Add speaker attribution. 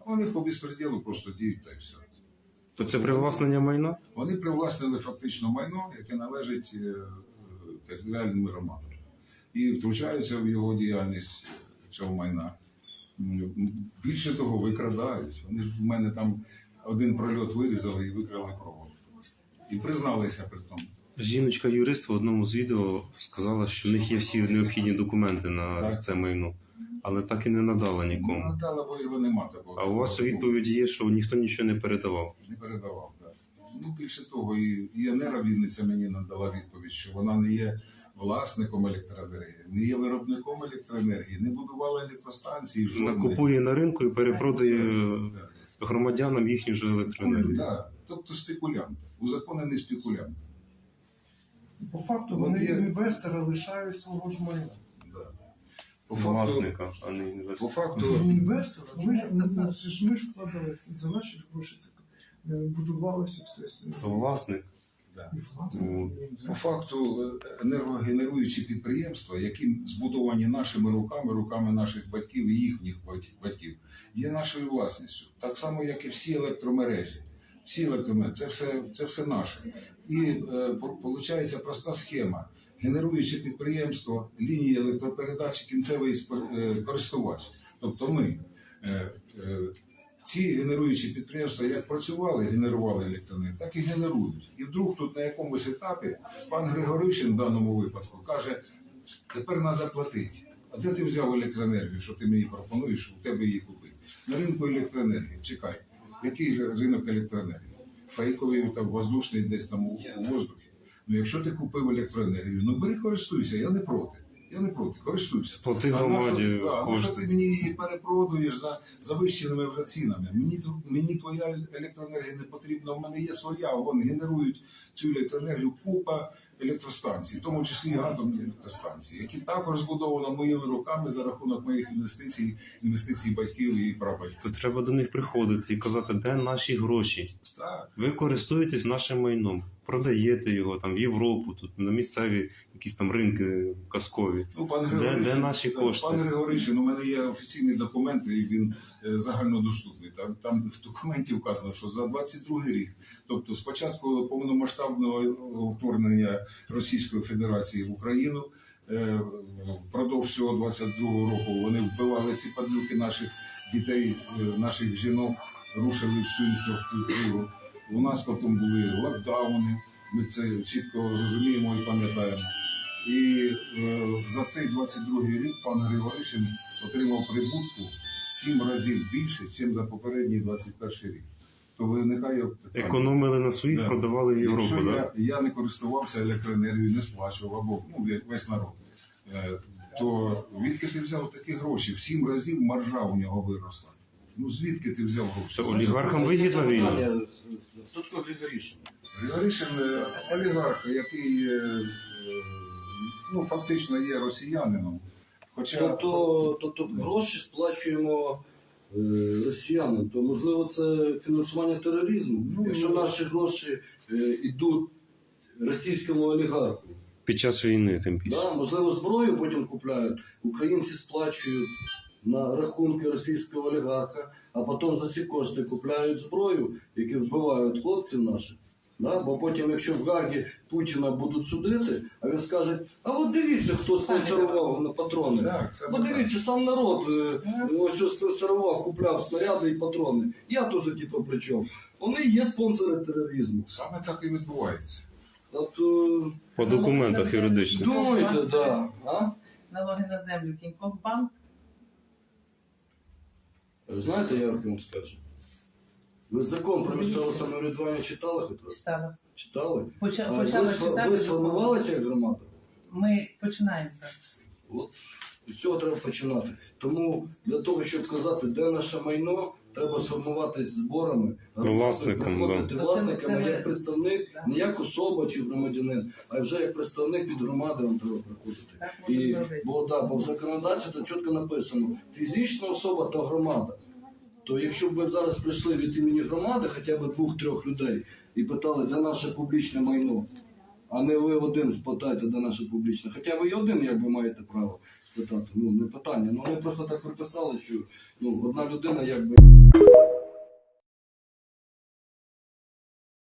Speaker 1: Вони по безпреділу просто діють та й все.
Speaker 2: То це привласнення майна?
Speaker 1: Вони привласнили фактично майно, яке належить територіальним громадам. І втручаються в його діяльність цього майна. Більше того, викрадають. Вони ж в мене там один прольот вирізали і викрали провод. І призналися при тому.
Speaker 2: Жіночка-юрист в одному з відео сказала, що в них є всі необхідні документи на це майно, але так і не надала нікому.
Speaker 1: Не надала, бо його нема такого.
Speaker 2: А у вас у відповіді є, що ніхто нічого не передавав.
Speaker 1: Не передавав, так. Ну, більше того, і Енера Вінниця мені надала відповідь, що вона не є власником електроенергії, не є виробником електроенергії, не будувала електростанції.
Speaker 2: Вона купує на ринку і перепродає громадянам їхню ж електроенергію.
Speaker 1: Так, тобто спекулянт, узаконений спекулянт.
Speaker 3: По факту вони інвестори лишають свого ж майна.
Speaker 2: Власника, а не
Speaker 1: По
Speaker 2: інвестора.
Speaker 1: факту,
Speaker 3: Інвестори, ми ж вкладали за наші ж гроші, це будувалося все.
Speaker 2: То власник.
Speaker 3: І власне.
Speaker 1: по факту енергогенеруючі підприємства, які збудовані нашими руками наших батьків і їхніх батьків, є нашою власністю. Так само, як і всі електромережі. Всі електромережі, це все наше. І виходить проста схема. Генеруюче підприємство, лінії електропередачі, кінцевий користувач. Тобто ми, ці генеруючі підприємства, як працювали, генерували електроенергію, так і генерують. І вдруг тут на якомусь етапі пан Григоришин в даному випадку каже, тепер треба платити. А де ти взяв електроенергію, що ти мені пропонуєш, що в тебе її купити? На ринку електроенергії. Чекай, який ринок електроенергії? Фейковий, там, воздушний десь там у воздухі. Ну, якщо ти купив електроенергію, ну бери, користуйся, я не проти. Я не проти, користуйся.
Speaker 2: Плати громаді
Speaker 1: що ти мені її перепродуєш за завищеними вже цінами? Мені твоя електроенергія не потрібна, в мене є своя, вони генерують цю електроенергію купа електростанцій, в тому числі і атомні електростанції, які також збудовано моїми руками за рахунок моїх інвестицій батьків і прабатьків.
Speaker 2: То треба до них приходити і казати, де наші гроші.
Speaker 1: Так.
Speaker 2: Ви користуєтесь нашим майном, продаєте його там в Європу, тут на місцеві якісь там ринки казкові.
Speaker 1: Ну,
Speaker 2: Де наші кошти?
Speaker 1: Пан Григоришин, у мене є офіційні документи, і він загальнодоступний. Там в документі вказано, що за 22 рік, тобто з початку повномасштабного вторгнення Російської Федерації в Україну, впродовж цього 22-го року вони вбивали ці падлюки наших дітей, наших жінок, рушили всю інфраструктуру. У нас потім були локдауни, ми це чітко розуміємо і пам'ятаємо. І за цей 22-й рік пан Григоришин отримав прибутку в 7 разів більше, ніж за попередній 21 рік. То виникає питання.
Speaker 2: Економили на своїх, продавали в Європу,
Speaker 1: Якщо
Speaker 2: так?
Speaker 1: я не користувався електроенергією, не сплачував, або весь народ, то звідки ти взяв такі гроші? В 7 разів маржа у нього виросла. Ну звідки ти взяв гроші?
Speaker 2: То олігархам вигідна війна?
Speaker 4: Хто такий Григоришин?
Speaker 1: Григоришин – олігарх, який фактично є росіянином.
Speaker 4: Тобто гроші сплачуємо росіянам, то можливо це фінансування тероризму, якщо наші гроші йдуть російському олігарху.
Speaker 2: Під час війни, тим більше.
Speaker 4: Да, можливо, зброю потім купляють, українці сплачують на рахунки російського олігарха, а потім за ці кошти купляють зброю, які вбивають хлопців наших. Да? Бо потім, якщо в Гагі Путіна будуть судити, а він скаже, а от дивіться, хто спонсорував на патрони. От дивіться, сам народ ось спонсорував, купляв снаряди і патрони. Я тут, типу, при чому? Вони є спонсори тероризму.
Speaker 1: Саме так і відбувається.
Speaker 4: Тобто,
Speaker 2: По документах юридичних.
Speaker 4: думайте, да.
Speaker 5: Налоги на землю, Кінькофбанк.
Speaker 4: Знаєте, я вам скажу. Ви закон про місцеве самоврядування читали хоч раз?
Speaker 5: Читала.
Speaker 4: Читали?
Speaker 5: Почала читати.
Speaker 4: Ви сформувалися як громада?
Speaker 5: Ми починаємо зараз.
Speaker 4: От. З цього треба починати. Тому для того, щоб сказати, де наше майно, треба сформуватись зборами, приходити власниками як представник, не як особа чи громадянин, а вже як представник від громади вам треба приходити. Бо в законодавстві то чітко написано, фізична особа – то громада. То якщо б ви зараз прийшли від імені громади, хоча б 2-3 людей, і питали, де наше публічне майно, а не ви один спитаєте, де наше публічне. Хоча ви і один, якби, маєте право спитати. Не питання. Вони просто так приписали, що одна людина, якби...